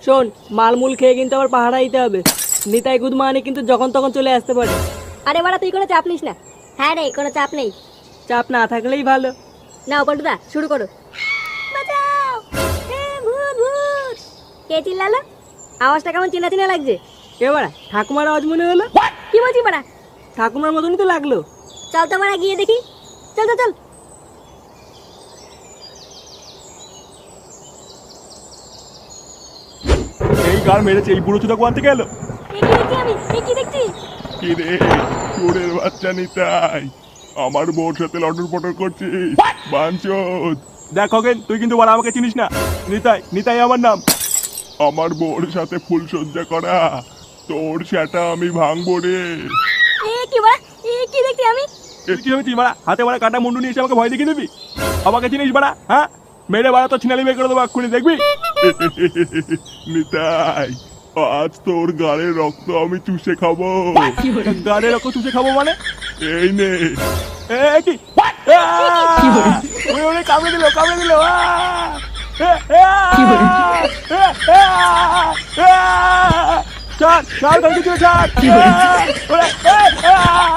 শোন, মালমূল খেয়ে কিন্তু আবার পাহাড়া দিতে হবে। নিতাই গুদ মানে কিন্তু যখন তখন চলে আসতে পারে। আরে বাড়া তুই কোনো চাপ নিস না। হ্যাঁ রে, কোনো চাপ নেই। চাপ না থাকলেই ভালো। নাও পল্টুদা, শুরু করো। বাঁচাও, ভূত ভূত। কে চিল্লালো? আওয়াজটা কেমন চেনা চেনা লাগছে। কে বাড়া? ঠাকুমার আওয়াজ মনে হলো। কি বলছি বাড়া? ঠাকুমার মতনই তো লাগলো। চল তো বাড়া গিয়ে দেখি। চল চল চল। এই গার মেরেছে, এই বুড়ো চুদা কোয়ান থেকে এলো? এ কি দেখছি আমি? এ কি দেখছি? কি রে চোরের বাচ্চা নিতাই, আমার বউর সাথে লটর পটর করছিস? বাঞ্চোদ! দেখ খগেন, তুই কিন্তু বড় আমাকে চিনিস না। নিতাই, নিতাই আমার নাম। আমার বউর সাথে ফুল সজ্জা করা, তোর সেটা আমি ভাঙবো রে। এ কি বাড়া? এ কি দেখছি আমি? এর কি হয়েছিস বাড়া? হাতে বাড়া কাটা মুন্ডু নিয়ে এসে আমাকে ভয় দেখিয়ে দিবি? আমাকে চিনিস বাড়া? হ্যাঁ, মেরে বাড়া তো ছিনালি বের করে দেবো এক্ষুনি, দেখবি? নিতাই, আজ তোর গাড়ের রক্ত আমি চুষে খাবো। গাড়ের রক্ত চুষে খাবো মানে? এই নে। কি কামড়ে দিল, কামড়ে দিল। ছাড় ছাড়, ছাড়।